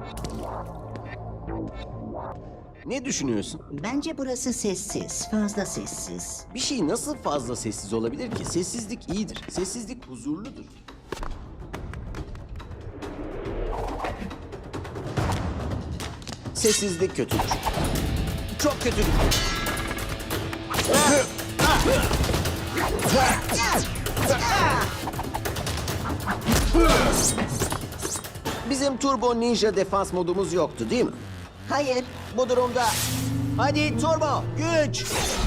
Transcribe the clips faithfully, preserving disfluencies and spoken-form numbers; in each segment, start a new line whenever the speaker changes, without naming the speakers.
Ne düşünüyorsun?
Bence burası sessiz, fazla sessiz.
Bir şey nasıl fazla sessiz olabilir ki? Sessizlik iyidir. Sessizlik huzurludur. Sessizlik kötüdür. Çok kötüdür. Bizim Turbo Ninja defans modumuz yoktu değil mi?
Hayır,
Bu durumda hadi Turbo güç.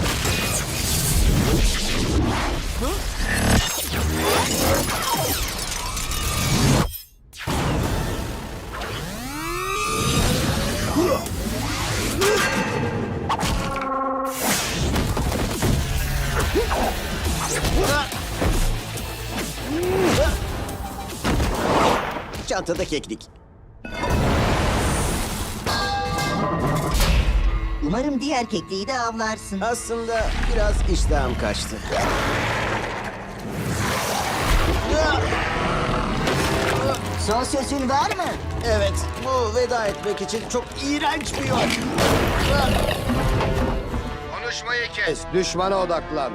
Çantada keklik.
umarım diğer kekliği de avlarsın.
Aslında biraz iştahım kaçtı.
Son sözün var mı?
Evet, bu veda etmek için çok iğrenç bir yol.
Konuşmayı kes. Düşmana odaklan.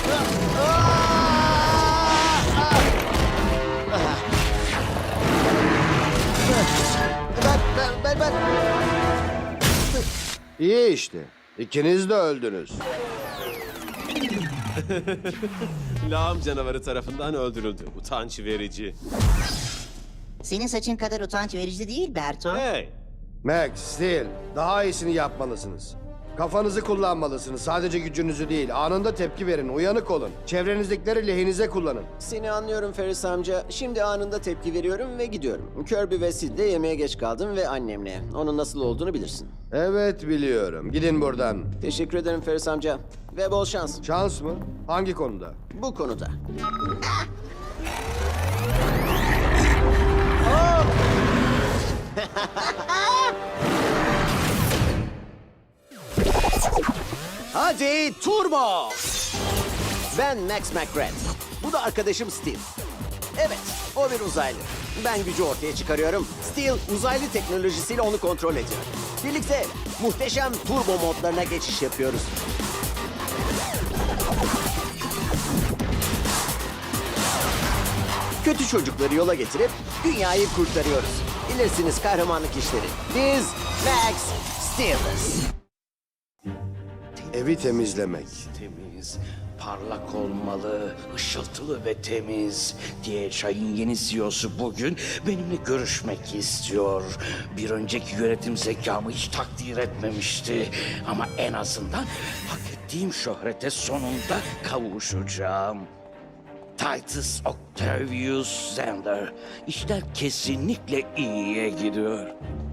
Ben, ben, ben, ben...
İyi işte. İkiniz de öldünüz.
Lağım canavarı tarafından öldürüldü. Utanç verici.
Senin saçın kadar utanç verici değil Berto.
Hey!
Max, Steel, daha iyisini yapmalısınız. Kafanızı kullanmalısınız. Sadece gücünüzü değil. Anında tepki verin. Uyanık olun. Çevrenizdekileri lehinize kullanın.
Seni anlıyorum Ferris amca. Şimdi anında tepki veriyorum ve gidiyorum. Kirby ve Sid'le yemeğe geç kaldım ve annemle. Onun nasıl olduğunu bilirsin.
Evet biliyorum. Gidin buradan.
Teşekkür ederim Ferris amca. Ve bol şans.
Şans mı? Hangi konuda?
Bu konuda. Hadi Turbo! Ben Max McGrath. Bu da arkadaşım Steel. Evet, o bir uzaylı. Ben gücü ortaya çıkarıyorum. Steel uzaylı teknolojisiyle onu kontrol ediyor. Birlikte muhteşem turbo modlarına geçiş yapıyoruz. Kötü çocukları yola getirip dünyayı kurtarıyoruz. Bilirsiniz kahramanlık işleri. Biz Max Steel'ız.
Evi temizlemek.
Temiz, parlak olmalı, ışıltılı ve temiz diye çayın yeni C E O'su bugün benimle görüşmek istiyor. Bir önceki yönetim zekamı hiç takdir etmemişti. Ama en azından hak ettiğim şöhrete sonunda kavuşacağım. Titus Octavius Zander. İşler kesinlikle iyiye gidiyor.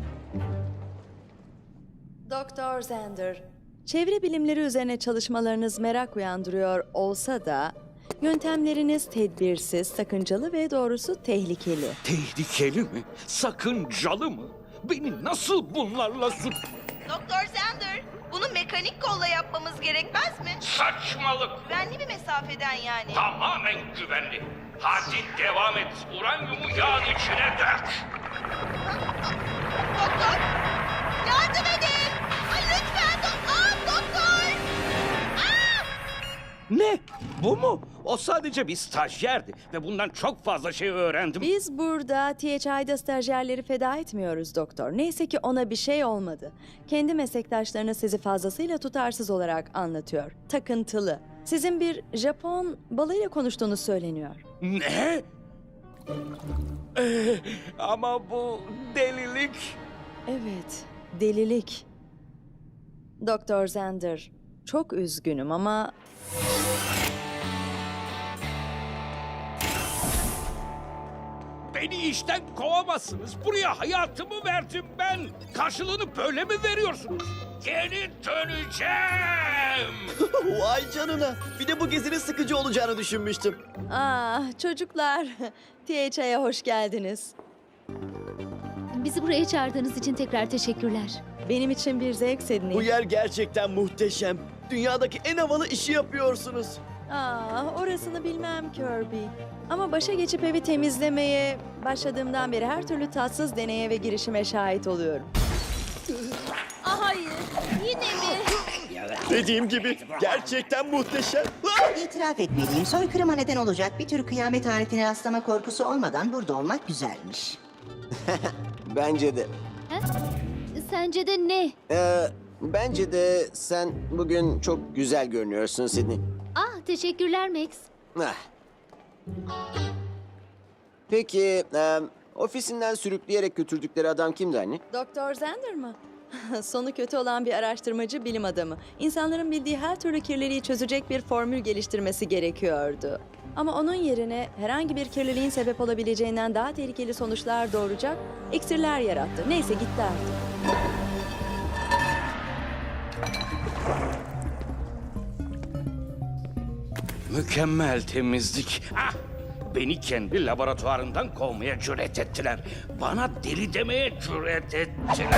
Doktor Zander, çevre bilimleri üzerine çalışmalarınız merak uyandırıyor olsa da yöntemleriniz tedbirsiz, sakıncalı ve doğrusu tehlikeli.
Tehlikeli mi? Sakıncalı mı? Beni nasıl bunlarla suç...
Doktor Zander, bunu mekanik kolla yapmamız gerekmez mi?
Saçmalık!
Güvenli bir mesafeden yani.
Tamamen güvenli. Hadi devam et. Uranyumu yağın içine dök.
Doktor, yardım edin! Ay, lütfen doktor, doktor! Aa!
Ne? Bu mu? O sadece bir stajyerdi ve bundan çok fazla şey öğrendim.
Biz burada T H I'da stajyerleri feda etmiyoruz doktor. Neyse ki ona bir şey olmadı. Kendi meslektaşlarınız sizi fazlasıyla tutarsız olarak anlatıyor. Takıntılı. Sizin bir Japon balığıyla konuştuğunuz söyleniyor.
Ne? Ee, ama bu delilik.
Evet, delilik. Doktor Zander, çok üzgünüm ama
Beni işten kovamazsınız. Buraya hayatımı verdim ben. Karşılığını böyle mi veriyorsunuz? Geri döneceğim.
Vay canına. Bir de bu gezinin sıkıcı olacağını düşünmüştüm.
ah çocuklar, T H I'ye hoş geldiniz.
Bizi buraya çağırdığınız için tekrar teşekkürler.
Benim için bir zevk Sydney.
Bu yer gerçekten muhteşem. Dünyadaki en havalı işi yapıyorsunuz.
Ah, orasını bilmem Kirby. Ama başa geçip evi temizlemeye Başladığımdan beri her türlü tatsız deneye ve girişime şahit oluyorum.
Ah hayır. Yine mi?
Dediğim gibi gerçekten muhteşem. Ah!
İtiraf etmeliyim. Soykırıma neden olacak bir tür kıyamet aletine rastlama korkusu olmadan burada olmak güzelmiş.
Bence de.
Ha? Sence de ne?
Ee, bence de sen bugün çok güzel görünüyorsun Sydney.
Ah teşekkürler Max.
Ah. Peki, e, ofisinden sürükleyerek götürdükleri adam kimdi anne?
Doktor Zender mı? Sonu kötü olan bir araştırmacı bilim adamı. İnsanların bildiği her türlü kirliliği çözecek bir formül geliştirmesi gerekiyordu. Ama onun yerine herhangi bir kirliliğin sebep olabileceğinden daha tehlikeli sonuçlar doğuracak iksirler yarattı. Neyse gitti artık.
Mükemmel temizlik. Ah! Beni kendi laboratuvarından kovmaya cüret ettiler. Bana deli demeye cüret ettiler.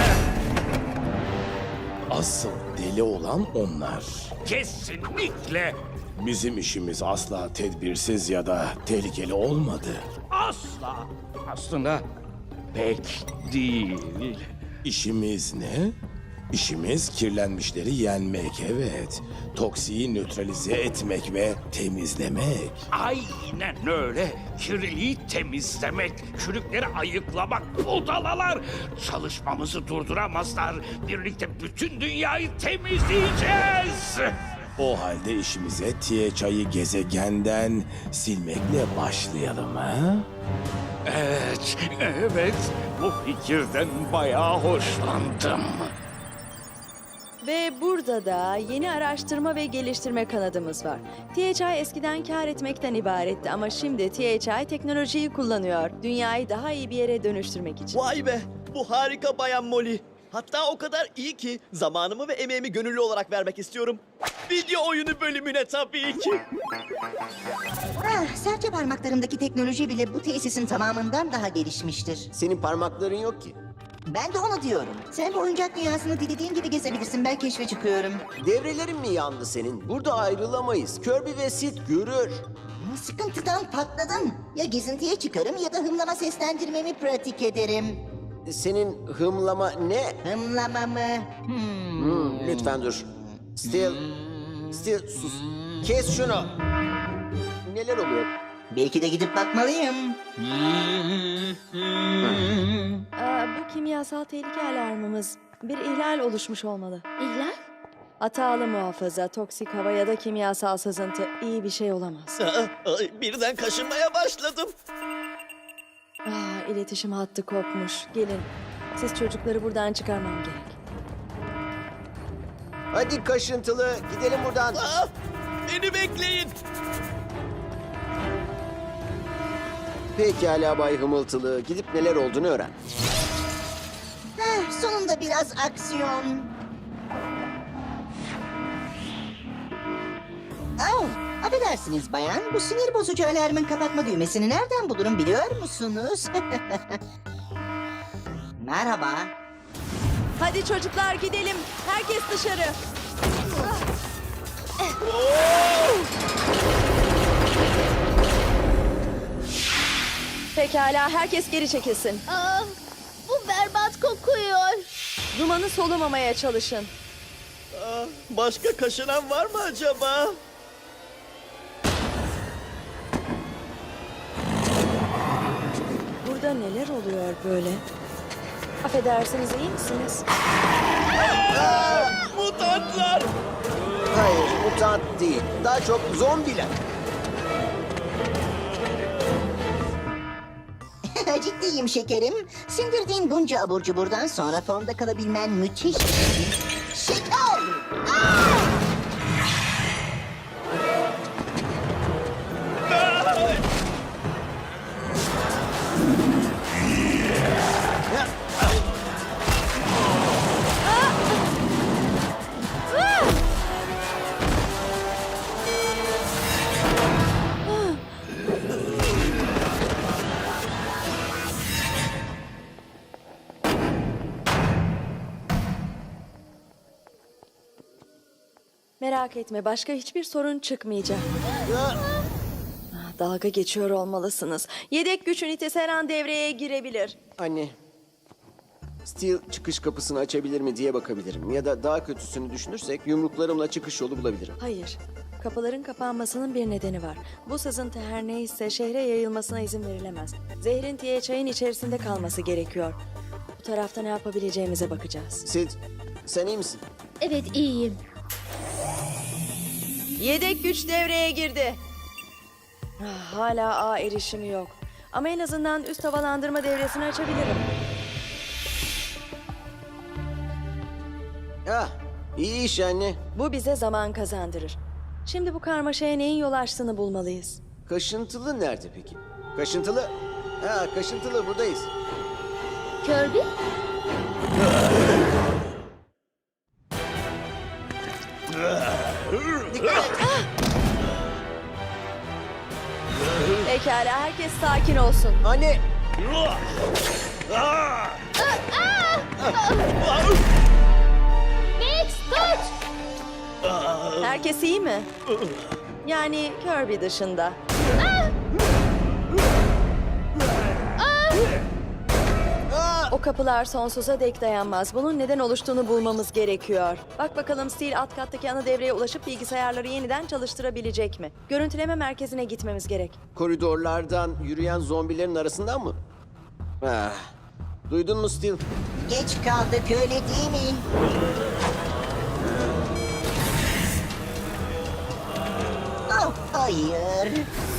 Asıl deli olan onlar.
Kesinlikle
Bizim işimiz asla tedbirsiz ya da tehlikeli olmadı.
asla. Aslında pek değil.
İşimiz ne? İşimiz kirlenmişleri yenmek, evet. Toksiği nötralize etmek ve temizlemek.
Aynen öyle. Kirliliği temizlemek, çürükleri ayıklamak, budalalar. Çalışmamızı durduramazlar. Birlikte bütün dünyayı temizleyeceğiz.
O halde işimize T H I'yi gezegenden silmekle başlayalım ha?
Evet, evet. Bu fikirden bayağı hoşlandım.
Ve burada da yeni araştırma ve geliştirme kanadımız var. T H I eskiden kar etmekten ibaretti ama şimdi T H I teknolojiyi kullanıyor. Dünyayı daha iyi bir yere dönüştürmek için.
Vay be, bu harika Bayan Molly. Hatta o kadar iyi ki zamanımı ve emeğimi gönüllü olarak vermek istiyorum. Video oyunu bölümüne tabii ki.
Ah, serçe parmaklarımdaki teknoloji bile bu tesisin tamamından daha gelişmiştir.
Senin parmakların yok ki.
Ben de onu diyorum. Sen bu oyuncak dünyasını dilediğin gibi gezebilirsin. Ben keşfe çıkıyorum.
Devrelerin mi yandı senin? Burada ayrılamayız. Kirby ve Sid görür.
Sıkıntıdan patladım. Ya gezintiye çıkarım ya da hımlama seslendirmemi pratik ederim.
Senin hımlama ne?
Hımlama mı? Hmm.
Hmm, lütfen dur. Still, still sus. Kes şunu. Neler oluyor?
Belki de gidip bakmalıyım.
Aa, bu kimyasal tehlike alarmımız. Bir ihlal oluşmuş olmalı.
İhlal?
Hatalı muhafaza, toksik hava ya da kimyasal sızıntı iyi bir şey olamaz.
Aa, ay, birden kaşınmaya başladım.
Aa, iletişim hattı kopmuş. Gelin, siz çocukları buradan çıkarmam gerek.
Hadi kaşıntılı, gidelim buradan.
Aa, beni bekleyin.
Pekala Bay Hımıltılı, gidip neler olduğunu öğren.
Heh, sonunda biraz aksiyon. Au, affedersiniz bayan. Bu sinir bozucu alarmın kapatma düğmesini nereden bulurum biliyor musunuz? Merhaba.
Hadi çocuklar gidelim. Herkes dışarı. Pekala, herkes geri çekilsin.
Aa, bu berbat kokuyor.
Dumanı solumamaya çalışın.
Aa, başka kaşınan var mı acaba?
Burada neler oluyor böyle? Affedersiniz, iyi misiniz?
Mutantlar.
Hayır, mutant değil. Daha çok zombiler.
Ciddiyim şekerim. Sindirdiğin bunca abur cuburdan sonra formda kalabilmen müthiş bir şey. Şeker!
Merak etme, başka hiçbir sorun çıkmayacak. Ah, Dalga geçiyor olmalısınız. Yedek güç ünitesi her an devreye girebilir.
Anne. Steel çıkış kapısını açabilir mi diye bakabilirim. Ya da daha kötüsünü düşünürsek yumruklarımla çıkış yolu bulabilirim.
Hayır. Kapıların kapanmasının bir nedeni var. Bu sızıntı her neyse şehre yayılmasına izin verilemez. Zehrin T H I'nin içerisinde kalması gerekiyor. Bu tarafta ne yapabileceğimize bakacağız.
Sid, sen iyi misin?
Evet, iyiyim.
Yedek güç devreye girdi. Ah, hala ağ erişimi yok. Ama en azından üst havalandırma devresini açabilirim.
Ah, iyi iş anne.
Bu bize zaman kazandırır. Şimdi bu karmaşaya neyin yol açtığını bulmalıyız.
Kaşıntılı nerede peki? Kaşıntılı? Ha, kaşıntılı buradayız.
Kirby?
Dikkat et.
Pekala, herkes sakin olsun.
Anne.
Max, tut!
Herkes iyi mi? Yani Kirby dışında. O kapılar sonsuza dek dayanmaz. Bunun neden oluştuğunu bulmamız gerekiyor. Bak bakalım Steel alt kattaki ana devreye ulaşıp bilgisayarları yeniden çalıştırabilecek mi? Görüntüleme merkezine gitmemiz gerek.
Koridorlardan yürüyen zombilerin arasından mı? Ah, duydun mu Steel?
Geç kaldık öyle değil mi? Oh, hayır.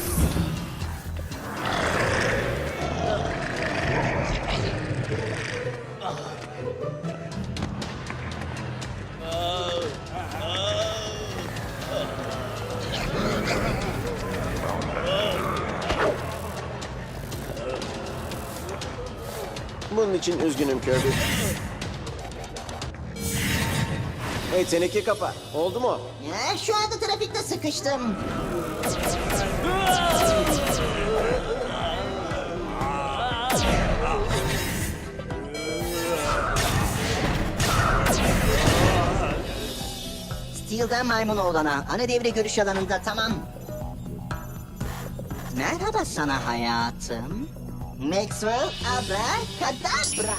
Bunun için üzgünüm Kirby. Hey teneke kapa. Oldu mu?
Ya, şu anda trafikte sıkıştım. Steel'den maymun oğlana. Ana devre görüş alanında, tamam. Merhaba sana hayatım. Maxwell Abracadabra.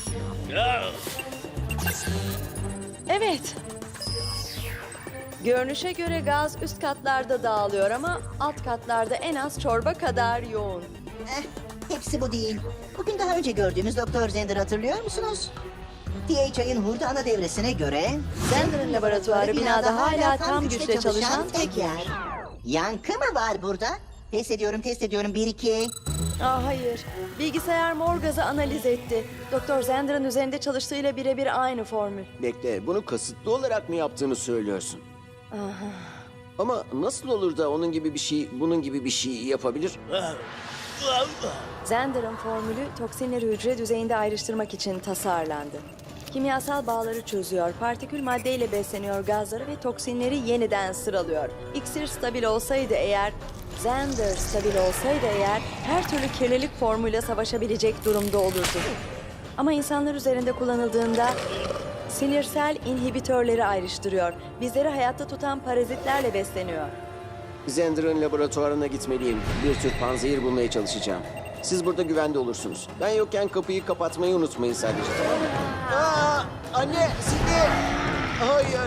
Evet. Görünüşe göre gaz üst katlarda dağılıyor ama alt katlarda en az çorba kadar yoğun.
Eh, hepsi bu değil. Bugün daha önce gördüğümüz Doktor Zender hatırlıyor musunuz? T H I'nin hurda ana devresine göre...
Zender'ın laboratuvarı binada hala tam güçle çalışan tek yer.
Yankı mı var burada? Test ediyorum, test ediyorum. Bir, iki...
Aa, hayır. Bilgisayar mor gazı analiz etti. Doktor Zender'ın üzerinde çalıştığıyla birebir aynı formül.
Bekle, bunu kasıtlı olarak mı yaptığını söylüyorsun?
Aha.
Ama nasıl olur da onun gibi bir şey, bunun gibi bir şey yapabilir?
Zender'ın formülü toksinleri hücre düzeyinde ayrıştırmak için tasarlandı. Kimyasal bağları çözüyor, partikül maddeyle besleniyor gazları ve toksinleri yeniden sıralıyor. İksir stabil olsaydı eğer, Zender stabil olsaydı eğer, her türlü kirlilik formuyla savaşabilecek durumda olurdu. Ama insanlar üzerinde kullanıldığında sinirsel inhibitörleri ayrıştırıyor. Bizleri hayatta tutan parazitlerle besleniyor.
Zender'ın laboratuvarına gitmeliyim. Bir tür panzehir bulmaya çalışacağım. Siz burada güvende olursunuz. Ben yokken kapıyı kapatmayı unutmayın sadece, tamam mı? Aa, anne, Sidney! Hayır!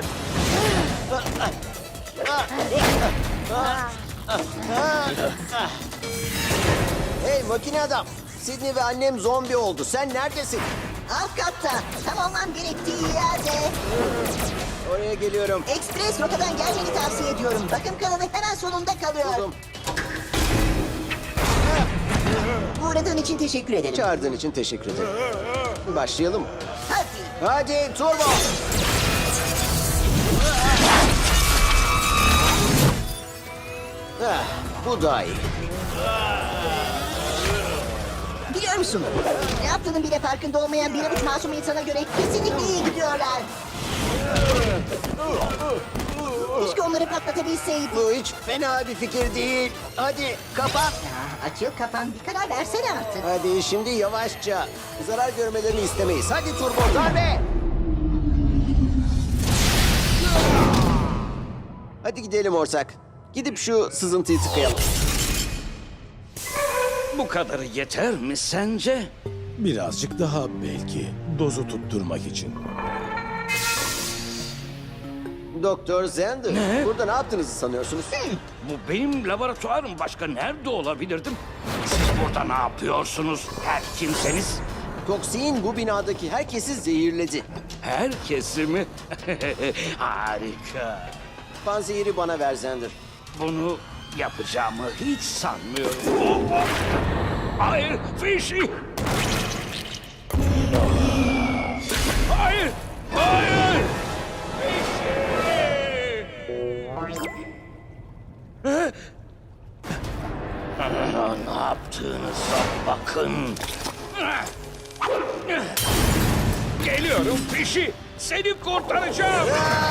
Hey makine adam! Sidney ve annem zombi oldu. Sen neredesin?
Alt katta. Tam olmam gerektiği yerde.
Oraya geliyorum.
Ekspres rotadan gelmeni tavsiye ediyorum. Bakım kanalı hemen solunda kalıyor.
Buldum.
Uğradığın için teşekkür ederim.
Çağırdığın için teşekkür ederim. Başlayalım.
Hadi.
Hadi turbo! Ah, bu daha iyi.
Biliyor musun? Ne yaptığının bile farkında olmayan bir avuç masum insana göre kesinlikle iyi gidiyorlar. Keşke onları patlatabilseydik.
Bu hiç fena bir fikir değil. Hadi kapat.
Ya, açıl kapan, bir karar versene artık.
Hadi şimdi yavaşça. Zarar görmelerini istemeyiz. Hadi turbo darbe. Hadi gidelim ortak. Gidip şu sızıntıyı tıkayalım.
Bu kadarı yeter mi sence?
Birazcık daha belki. Dozu tutturmak için.
Doktor Zender,
Ne?
burada ne yaptığınızı sanıyorsunuz?
Bu benim laboratuvarım. Başka nerede olabilirdim? Siz burada ne yapıyorsunuz? Her kimseniz.
Toksin bu binadaki herkesi zehirledi.
Herkesi mi? Harika.
Panzehiri bana ver Zender.
Bunu yapacağımı hiç sanmıyorum. Hayır, Fishy! Hayır! Hayır! Fishy! Aa, ne yaptığınıza bakın. Geliyorum Fishy! Seni kurtaracağım!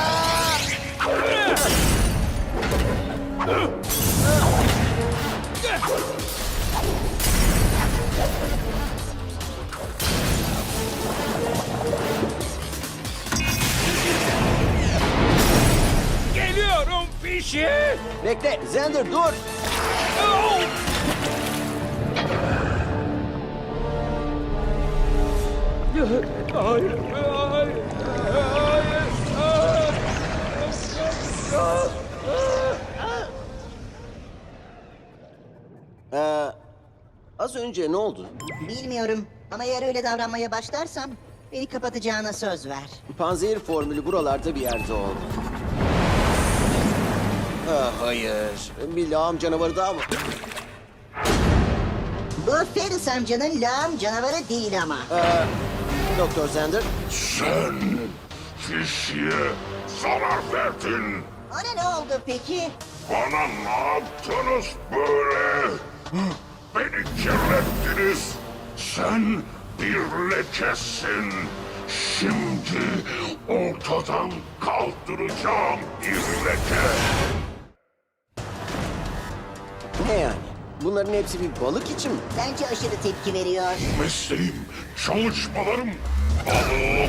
Geliyorum Fishy!
Bekle Zender dur.
Oh! Hayır, hayır, hayır,
Ee, az önce ne oldu?
Bilmiyorum ama eğer öyle davranmaya başlarsam beni kapatacağına söz ver.
Panzehir formülü buralarda bir yerde oldu. Ah, hayır. Bir lağım canavarı daha mı?
Bu Ferris amcanın lağım canavarı değil ama.
Doktor Zender.
Sen Fishy'e zarar verdin.
Ona ne oldu peki?
Bana ne yaptınız böyle? Beni kirlettiniz. Sen bir lekesin. Şimdi ortadan kaldıracağım bir leke.
Ne yani? Bunların hepsi bir balık için mi?
Bence aşırı tepki veriyor.
Mesleğim, çalışmalarım, balığım.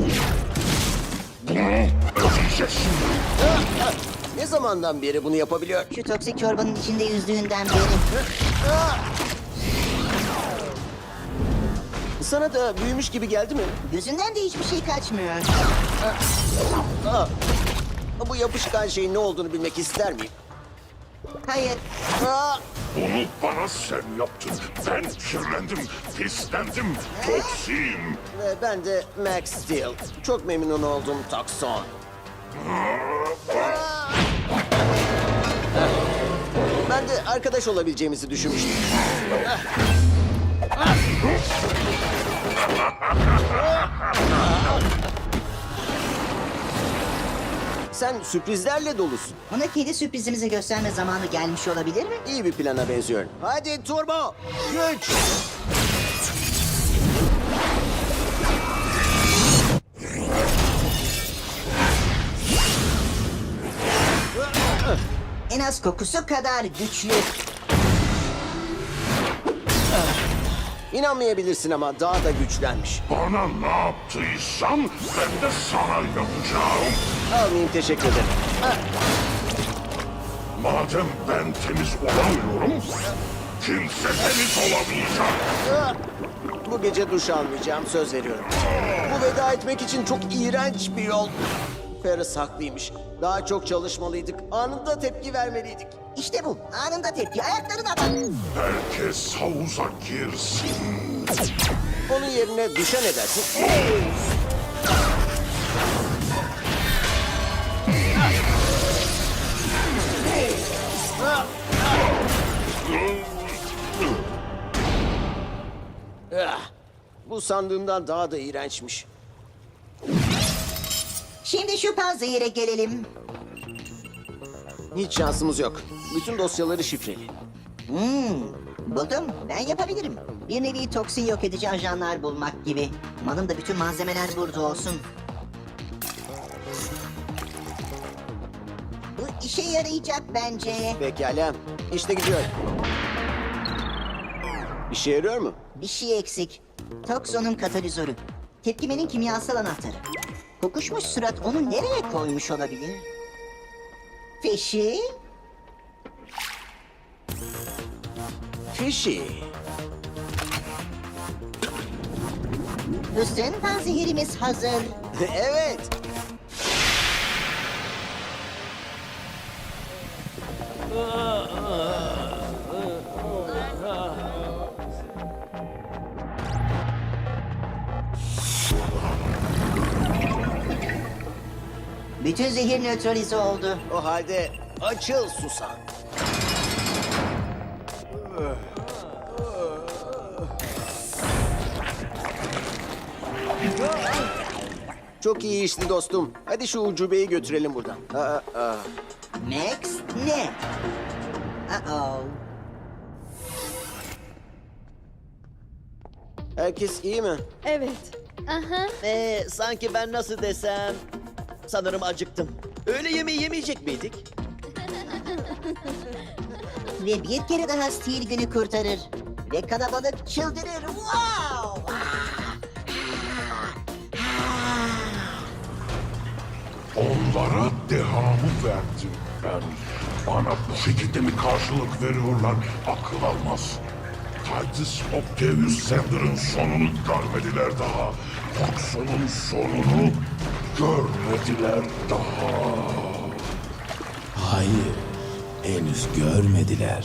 Bunu ödeyeceksin.
Ne zamandan beri bunu yapabiliyor?
Şu toksik çorbanın içinde yüzdüğünden beri.
Sana da büyümüş gibi geldi mi?
Gözünden de hiçbir şey kaçmıyor.
Aa, bu yapışkan şeyin ne olduğunu bilmek ister miyim?
Hayır.
Aa,
Bunu bana sen yaptın. Ben kirlendim, pislendim, toksiyim.
ve ben de Max Steel. Çok memnun oldum Tokson. Ben de arkadaş olabileceğimizi düşünmüştüm. Sen sürprizlerle dolusun.
Ona kedi sürprizimizi gösterme zamanı gelmiş olabilir mi?
İyi bir plana benziyor. Hadi turbo, güç.
En az kokusu kadar güçlü.
İnanmayabilirsin ama daha da güçlenmiş.
Bana ne yaptıysan ben de sana yapacağım.
Almayayım, teşekkür ederim.
Madem ben temiz olamıyorum, kimse temiz olamayacak.
Ah! Bu gece duş almayacağım, söz veriyorum. Bu veda etmek için çok iğrenç bir yol. Ferris haklıymış. Daha çok çalışmalıydık. Anında tepki vermeliydik.
İşte bu. Anında tepki. Ayaklarına bak.
Herkes havuza girsin.
Onun yerine duşa ne dersin? Ah! Bu sandığımdan daha da iğrençmiş.
Şimdi şu panzehire gelelim.
Hiç şansımız yok. Bütün dosyaları şifreli.
Hmm, buldum. Ben yapabilirim. Bir nevi toksin yok edici ajanlar bulmak gibi. Umarım da bütün malzemeler burada olsun. Bu işe yarayacak bence.
Pekala. İşte gidiyor. İşe yarıyor mu?
Bir şey eksik. Toksonun katalizörü. Tepkimenin kimyasal anahtarı. Kokuşmuş surat onu nereye koymuş olabilir? Fishy?
Fishy.
Haklısın. Panzehirimiz hazır.
Evet.
Bütün zehir nötralize oldu.
O halde açıl Susan. Çok iyi işti dostum. Hadi şu ucubeyi götürelim buradan. Aa, aa.
Max ne? Uh-oh.
Herkes iyi mi?
Evet.
Aha.
Ee, sanki ben nasıl desem... Sanırım acıktım. Öğle yemeği yemeyecek miydik?
Ve bir kere daha Steel günü kurtarır. Ve kalabalık çıldırır. Wow!
Onlara dehamı verdim ben. Bana bu şekilde mi karşılık veriyorlar? Akıl almaz. Titus Octavius Sander'ın sonunu görmediler daha. Foxon'un sonunu görmediler daha.
Hayır, henüz görmediler.